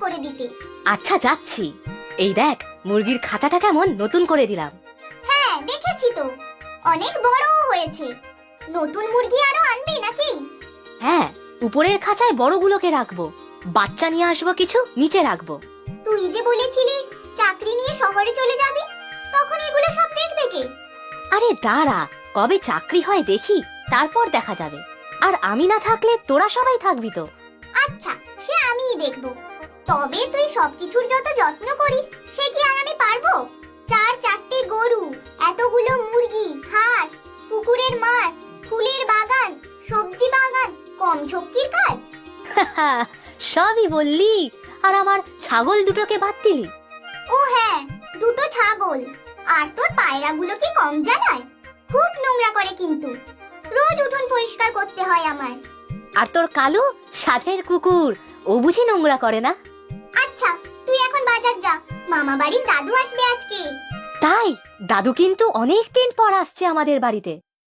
করে দিতে। আচ্ছা যাচ্ছি। এই দেখ মুরগির খাঁচাটা কেমন নতুন করে দিলাম। হ্যাঁ দেখেছি তো, অনেক বড়ও হয়েছে। নতুন মুরগি আরো আনবি নাকি? হ্যাঁ, উপরের খাঁচায় বড়গুলোকে রাখবো, বাচ্চা নিয়ে আসবো কিছু নিচে রাখবো। তুই যে বলেছিলিস চাকরি নিয়ে শহরে চলে যাবি, তখন এগুলো সব দেখবে কে? আরে দাঁড়া, কবে চাকরি হয় দেখি, তারপর দেখা যাবে। আর আমি না থাকলে তোরা সবাই থাকবি তো। আচ্ছা, সে আমিই দেখবো। তবে তুই সবকিছুর যত যত্ন করিস, সে কি আর আমি পারবো? 4-4টে গরু, এতগুলো মুরগি, হাঁস, পুকুরের মাছ, ফুলের বাগান, সবজি বাগান, কম শক্তির কাজ? সবই বললি, আর আমার ছাগল দুটোকে বাদ দিলি। ও হ্যাঁ, দুটো ছাগল। আর তোর পায়রাগুলো কি কম জ্বালায়? খুব নোংরা করে কিন্তু, রোজ উঠোন পরিষ্কার করতে হয় আমার। আর তোর কালু সাধের কুকুর, ও বুঝি নোংরা করে না? আচ্ছা, তুই এখন বাজার যা, মামা বাড়ির দাদু আসবে আজকে। তাই দাদু কিন্তু অনেক দিন পর আসছে আমাদের বাড়িতে।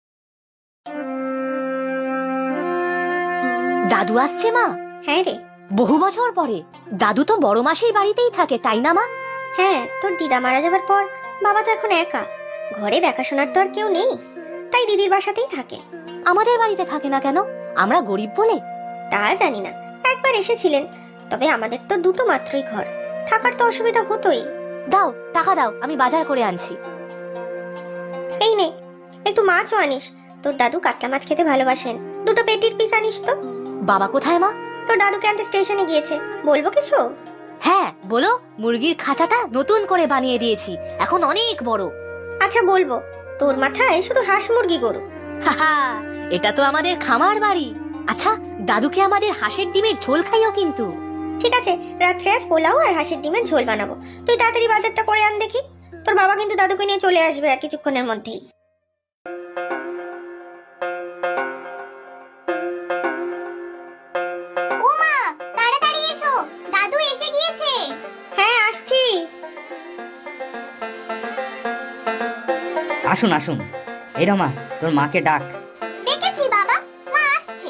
দাদু আসছে মা? হ্যাঁ রে। বহু বছর পরে। দাদু তো বড় মাসির বাড়িতেই থাকে, তাই না মা? হ্যাঁ, তোর দিদা মারা যাবার পর বাবা তো এখন একা, ঘরে দেখাশোনার তো আর কেউ নেই, তাই দিদির বাসাতেই থাকে। আমাদের বাড়িতে থাকে না কেন? আমরা গরিব বলে? তা জানি না, একবার এসেছিলেন, তবে আমাদের তো দুটো মাত্রই ঘর, থাকার তো অসুবিধা হতোই। দাও, টাকা দাও, আমি বাজার করে আনছি। এই নে, একটু মাছও আনিস, তোর দাদু কাতলা মাছ খেতে ভালোবাসেন, দুটো পেটির পিস আনিস তো। বাবা কোথায় মা? তোর দাদুকে আনতে স্টেশনে গিয়েছে, বলবো কিছু? হ্যাঁ বলো, মুরগির খাঁচাটা নতুন করে বানিয়ে দিয়েছি, এখন অনেক বড়। আচ্ছা বলবো, তোর মাথায় শুধু হাঁস মুরগি গরু। হাহা, এটা তো আমাদের খামার বাড়ি। আচ্ছা, দাদুকে আমাদের হাঁসের ডিমের ঝোল খাইও কিন্তু। ঠিক আছে, রাত্রে আজ পোলাও আর হাঁসের ডিমের ঝোল বানাবো, তুই তাড়াতাড়ি বাজারটা করে আন দেখি। তোর বাবা কিন্তু দাদুকে নিয়ে চলে আসবে আর কিছুক্ষণের মধ্যেই। ও মা, তাড়াতাড়ি এসো, দাদু এসে গিয়েছে। হ্যাঁ আসছি। আসুন আসুন। এই রমা, তোর মাকে ডাক। দেখেছি বাবা, মা আসছে।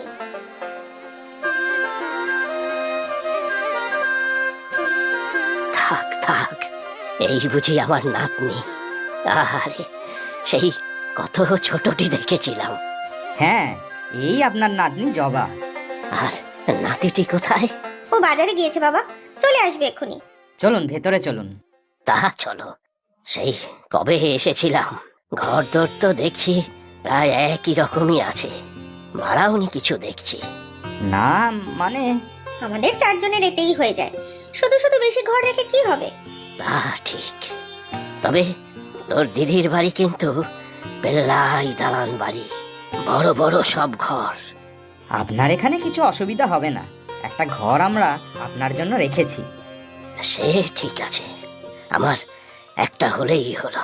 থাক থাক, এই বুঝি আমার নাতনি? আরে সেই কত ছোটটি দেখেছিলাম। হ্যাঁ, এই আপনার নাতনি জবা। আর নাতিটি কোথায়? ও বাজারে গিয়েছে বাবা, চলে আসবে এক্ষুনি। চলুন ভেতরে চলুন। তা চলো, সেই কবে এসেছিলাম, ঘর দর তো দেখছি প্রায় একই রকমই আছে, ভাড়াওনি কিছু দেখছি। না মানে, আমাদের চারজনের এতেই হয়ে যায়, শুধু শুধু বেশি ঘর রেখে কি হবে? তা ঠিক, তবে তোর দিদির বাড়ি কিন্তু পেল্লাই দালান বাড়ি, বড় বড় সব ঘর। আপনার এখানে কিছু অসুবিধা হবে না, একটা ঘর আমরা আপনার জন্য রেখেছি। সে ঠিক আছে, আমার একটা হলেই হলো।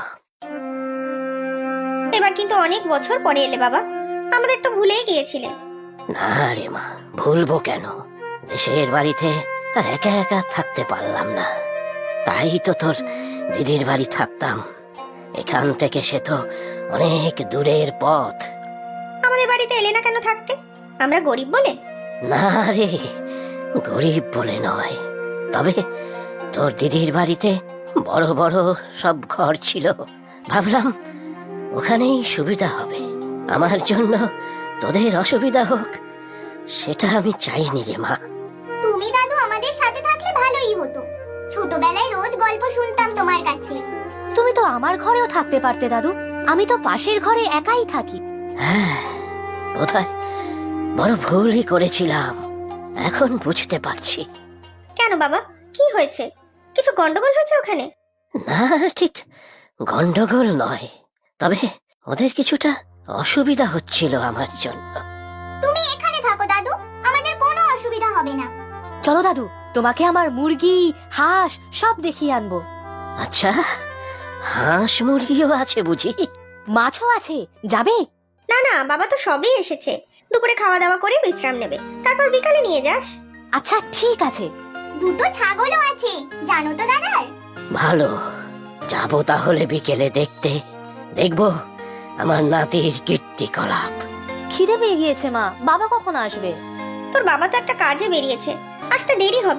এবার কিন্তু অনেক বছর পরে এলে বাবা, আমাদের তো ভুলেই গিয়েছিলেন। না রে মা, ভুলবো কেন? দেশের বাড়িতে আর একা একা থাকতে পারলাম না, তাই তো তোর দিদির বাড়ি থাকতাম। এখান থেকে সে তো অনেক দূরের পথ। আমাদের বাড়িতে এলে না কেন থাকতে? আমরা গরিব বলে? না রে, গরিব বলে নয়, তবে তোর দিদির বাড়িতে বড় বড় সব ঘর ছিল, ভাবলাম ওখানেই সুবিধা হবে। আমার জন্য তোদের অসুবিধা হোক সেটা আমি চাইনি রে মা। তুমি দাদু আমাদের সাথে থাকলে ভালোই হতো, ছোটবেলায় রোজ গল্প শুনতাম তোমার কাছে। তুমি তো আমার ঘরেও থাকতে পারতে দাদু, আমি তো পাশের ঘরে একাই থাকি। হ্যাঁ, বোধহয় বড় ভুলই করেছিলাম, এখন বুঝতে পারছি। কেন বাবা, কি হয়েছে? কিছু গন্ডগোল হয়েছে ওখানে? না, ঠিক গন্ডগোল নয়, তবে ওদের কিছুটা অসুবিধা হচ্ছিল আমার জন্য। তুমি এখানে থাকো দাদু, আমাদের কোনো অসুবিধা হবে না। চলো দাদু, তোমাকে আমার মুরগি হাঁস সব দেখিয়ে আনবো। আচ্ছা, হাঁস মুরগিও আছে বুঝি? মাছও আছে, যাবে? না না বাবা, তো সবই এসেছে, দুপুরে খাওয়া দাওয়া করে বিশ্রাম নেবে, তারপর বিকালে নিয়ে যাস। আচ্ছা ঠিক আছে। দুটো ছাগলও আছে, জানো তো দাদার? ভালো, যাবো তাহলে বিকেলে দেখতে, দেখবো আমার নাতির কীর্তিকলাপ। খিদে পেয়ে গিয়েছে মা, বাবা কখন আসবে? তোর বাবা তো একটা কাজে বেরিয়েছে, আসতে দেরি হবে,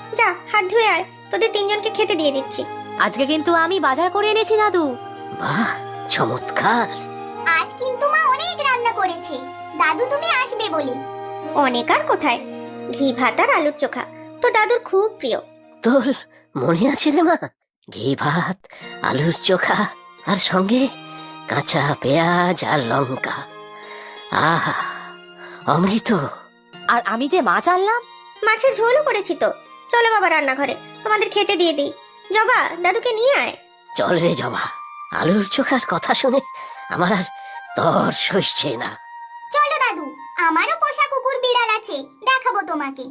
যা হাত ধুয়ে আয়, তোদের তিনজনকে খেতে দিয়ে দিচ্ছি। আজকে কিন্তু আমি বাজার করে এনেছি দাদু। বাহ, চমৎকার। আজ কিন্তু মা অনেক রান্না করেছে, দাদু তুমি আসবে বলে। অনেক আর কোথায়, ঘি ভাত আর আলুর চোখা তোর দাদুর খুব প্রিয়। তোর মনে আছে রে মা? ঘি ভাত, আলুর চোখা, আর সঙ্গে কাঁচা পেঁয়াজ আর লঙ্কা। আহা, অমৃত। আর আমি যে মাছ আনলাম। মাছের ঝোলও করেছি তো। চলো বাবা রান্নাঘরে, তোমাদের খেতে দিয়ে দিই। জবা, দাদুকে নিয়ে আয়। চল রে জবা, আলুর চোখার কথা শুনে আমার আর তর সইছে না। চলো দাদু, আমারও পোষা কুকুর বিড়াল আছে, দেখাবো তোমাকে।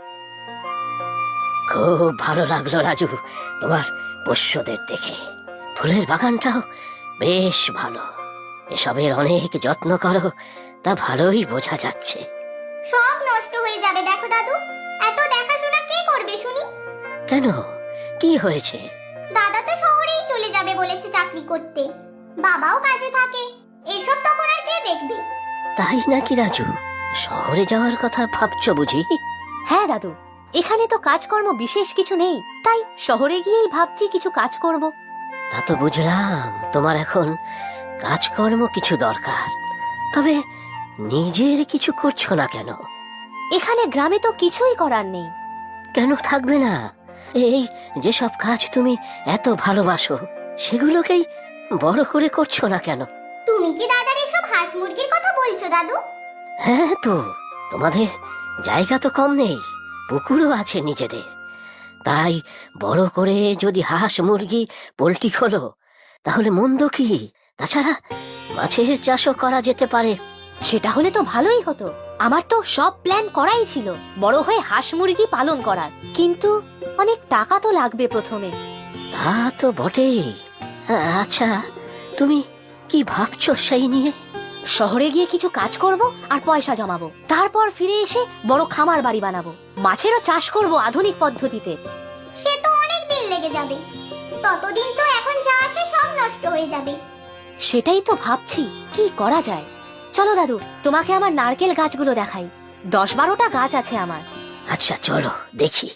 খুব ভালো লাগলো রাজু তোমার পোষ্যদের দেখে। ফুলের বাগানটাও বেশ ভালো। এসবের অনেক যত্ন করো, তা ভালোই বোঝা যাচ্ছে। সব নষ্ট হয়ে যাবে দেখো দাদু, এত দেখাশোনা কে করবে শুনি? কেন, কি হয়েছে? দাদা তো শহরেই চলে যাবে বলেছে চাকরি করতে, বাবাও কাজে থাকে, এসব তখন আর কে দেখবে? তাই নাকি রাজু? শহরে যাওয়ার কথা ভাবছো বুঝি? হ্যাঁ দাদু, এখানে তো কাজকর্ম বিশেষ কিছু নেই, তাই শহরে গিয়েই ভাবছি কিছু কাজ করব। তা তো বুঝলাম তোমার এখন কাজকর্ম কিছু দরকার, তবে নিজের কিছু করছো না কেন? এখানে গ্রামে তো কিছুই করার নেই। কেন থাকবে না? এই যেসব কাজ তুমি এত ভালোবাসো সেগুলোকেই বড় করে করছো না কেন? তুমি কি দাদার এসব হাঁস মুরগির কথা বলছো দাদু? হ্যাঁ তো, তোমাদের জায়গা তো কম নেই, পুকুরও আছে নিজেদের। তাই বড় করে যদি হাঁস মুরগি পোল্ট্রি খোলো তাহলে মন্দ কি? তাছাড়া মাছের চাষও করা যেতে পারে। সেটা হলে তো ভালোই হতো। আমার তো সব প্ল্যান করাই ছিল বড় হয়ে হাঁস মুরগি পালন করার, কিন্তু অনেক টাকা তো লাগবে প্রথমে। তা তো বটেই। আচ্ছা, তুমি কি ভাবছো সেই নিয়ে? শহরে গিয়ে কিছু কাজ করব আর পয়সা জমাবো, তারপর ফিরে এসে বড় খামার বাড়ি বানাবো, মাছেরও চাষ করব আধুনিক পদ্ধতিতে। সে তো অনেক দিন লেগে যাবে, ততদিন তো এখন যা আছে সব নষ্ট হয়ে যাবে। সেটাই তো ভাবছি কি করা যায়। চলো দাদু, তোমাকে আমার নারকেল গাছগুলো দেখাই। 10-12টা গাছ আছে আমার। আচ্ছা চলো দেখি।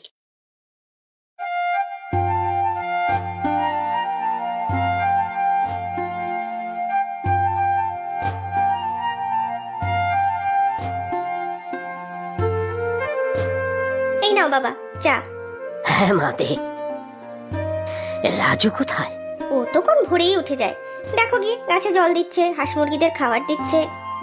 এই নাও বাবা চা। হ্যাঁ মা দে। রাজু কোথায়? ও তো কোন ভোরেই উঠে যায়, দেখো গিয়ে গাছে জল দিচ্ছে, হাঁস মুরগিদের খাবার দিচ্ছে।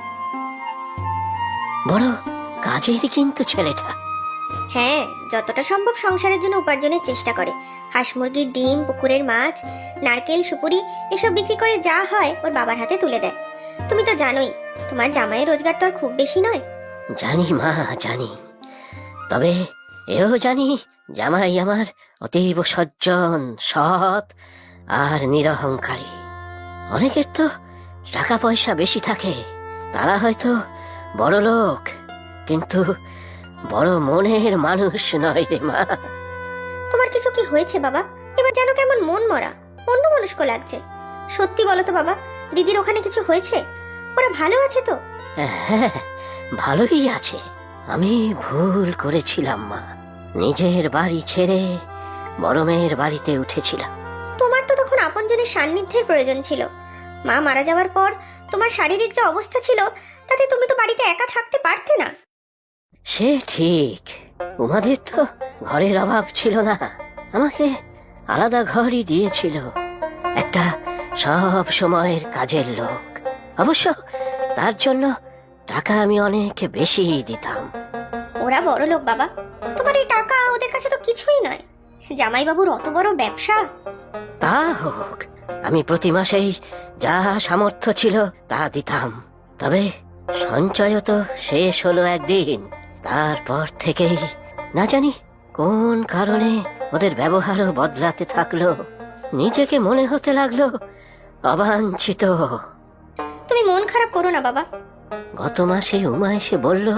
বড় কাজের কিন্তু ছেলেটা। হ্যাঁ, যতটা সম্ভব সংসারের জন্য উপার্জনের চেষ্টা করে। হাঁস মুরগির ডিম, পুকুরের মাছ, নারকেল, সুপুরি এসব বিক্রি করে যা হয় ওর বাবার হাতে তুলে দেয়। তুমি তো জানোই তোমার জামাইয়ের রোজগার তো আর খুব বেশি নয়। জানি মা, জানি। তবে এও জানি জামাই আমার অতীব সজ্জন, সৎ আর নিরহংকারী। অনেকের তো টাকা পয়সা বেশি থাকে, তারা হয়তো বড় লোক, কিন্তু বড় মনের মানুষ নয় রে মা। তোমার কিছু কি হয়েছে বাবা? এবার যেন কেমন মন মরা, অন্যমনস্ক লাগছে। সত্যি বলো তো বাবা, দিদির ওখানে কিছু হয়েছে? ওরা ভালো আছে তো? হ্যাঁ, ভালোই আছে। আমি ভুল করেছিলাম মা, নিজের বাড়ি ছেড়ে বড় মেয়ের বাড়িতে উঠেছিলাম। তোমার তো তখন আপনজনের সান্নিধ্যের প্রয়োজন ছিল। মা মারা যাওয়ার পর তোমার শারীরিক যে অবস্থা ছিল, তাতে তুমি তো বাড়িতে একা থাকতে পারতে না। সে ঠিক, উমাদের তো ঘরের অভাব ছিল না, আমাকে আলাদা ঘরই দিয়েছিল একটা সব সময়ের কাজের লোক। অবশ্য তার জন্য টাকা আমি অনেক বেশি দিতাম। ওরা বড় লোক বাবা, তোমার এই টাকা ওদের কাছে তো কিছুই নয়। জামাইবাবুর অত বড় ব্যবসা। তা হোক, আমি প্রতি মাসেই যা সামর্থ্য ছিল তা দিতাম। তবে সঞ্চয় তো শেষ হলো একদিন। তারপর থেকেই না জানি কোন কারণে ওদের ব্যবহারও বদলাতে থাকলো। নিজেকে মনে হতে লাগলো অবাঞ্ছিত। তুমি মন খারাপ করো না বাবা। গত মাসে উমা এসে বলল,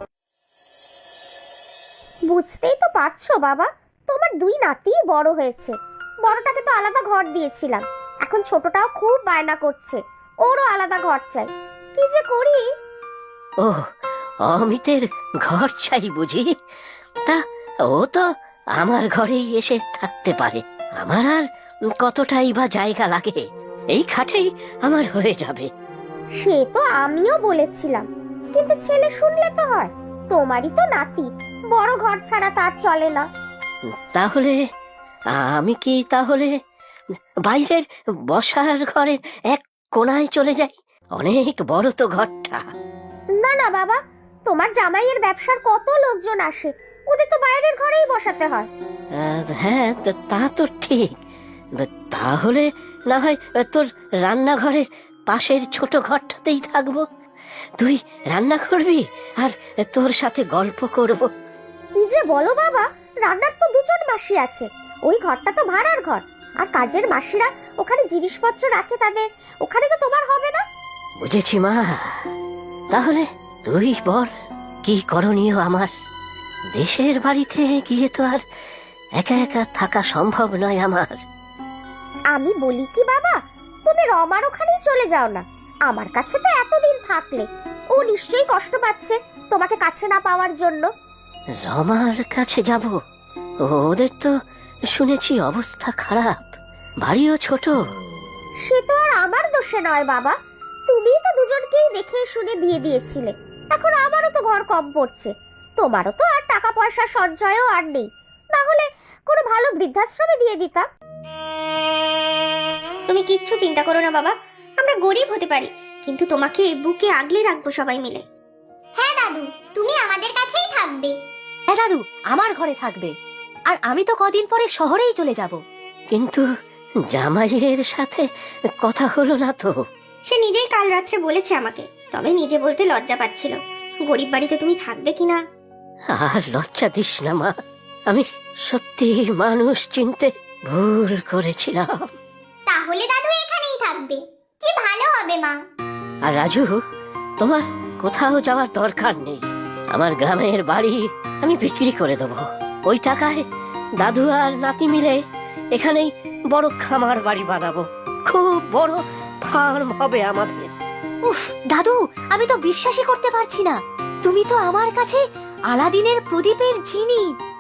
বুঝতেই তো পারছো বাবা, তোমার দুই নাতি বড় হয়েছে। বড়টাকে তো আলাদা ঘর দিয়েছিলাম, এখন ছোটটাও খুব বায়না করছে, ওরও আলাদা ঘর চাই। কি যে করি। ও অমিতের ঘর চাই বুঝি? তা ও তো আমার ঘরেই এসে থাকতে পারে। আমার আর কতটাই বা জায়গা লাগে, এই খাটেই আমার হয়ে যাবে। সে তো আমিও বলেছিলাম, কিন্তু ছেলে শুনলে তো হয়। তোমারই তো নাতি, বড় ঘর ছাড়া তার চলে না। তাহলে আমি কি তাহলে বাইরের বসার ঘরের এক কোণায় চলে যাই? অনেক বড় তো ঘরটা। না না বাবা, তোমার জামাইয়ের ব্যবসার কত লোকজন আসে, ওদের তো বাইরের ঘরেই বসাতে হয়। হ্যাঁ, তা তো ঠিক। তাহলে না হয় তোর রান্নাঘরের পাশের ছোট ঘরটাতেই থাকবো। তুই রান্না করবি আর তোর সাথে গল্প করব। কি যে বলো বাবা, রান্নার তো দুজন মাসি আছে, ওই ঘরটা তো ভাড়ার ঘর। আর কাজের মাসিরা ওখানে জিনিসপত্র রাখে, তাদের ওখানে তো তোমার হবে না। বুঝেছি মা, তাহলে তুই বল কি করণীয় আমার? দেশের বাড়িতে গিয়ে তো আর একা একা থাকা সম্ভব নয় আমার। আমি বলি কি বাবা, তুমি রমার ওখানেই চলে যাও না। আমার কাছে তো এতদিন থাকলে, ও নিশ্চয়ই কষ্ট পাচ্ছে তোমাকে কাছে না পাওয়ার জন্য। রমার কাছে যাব? ওদের তো শুনেছি অবস্থা খারাপ, বাড়িও ছোট। সে তো আর আমার দোষে নয় বাবা, তুমিই তো দুজনকেই দেখে শুনে বিয়ে দিয়েছিলে। এখন আমারও তো ঘর কম পড়ছে, তোমারও তো আর টাকা পয়সা সঞ্চয়ও আর নেই। না হলে কোনো ভালো বৃদ্ধাশ্রমে দিয়ে দিতাম। তুমি কিচ্ছু চিন্তা করো না বাবা, আমরা গরিব হতে পারি, কিন্তু তোমাকে বুকে আগলে রাখবো সবাই মিলে। হ্যাঁ দাদু, তুমি আমাদের কাছেই থাকবে। হ্যাঁ দাদু, আমার ঘরে থাকবে। আর আমি তো কদিন পরে শহরেই চলে যাব। কিন্তু জামাইয়ের সাথে কথা হলো না তো? সে নিজেই কাল রাত্রে বলেছে আমাকে, তবে নিজে বলতে লজ্জা পাচ্ছিল। গরিব বাড়িতে তুমি থাকবে কিনা। আর লজ্জা দিস না মা, আমি সত্যি মানুষ চিনতে ভুল করেছিলাম। তাহলে দাদু এখানেই থাকবে, কি ভালো হবে মা। আর রাজু, তোমার কোথাও যাওয়ার দরকার নেই। আমার গ্রামের বাড়ি আমি বিক্রি করে দেবো। ওই টাকায় দাদু আর নাতি মিলে এখানেই বড় খামার বাড়ি বানাবো। খুব বড় ফার্ম হবে আমাদের। উফ দাদু, আমি তো বিশ্বাসই করতে পারছি না। তুমি তো আমার কাছে আলাদিনের প্রদীপের জিনি।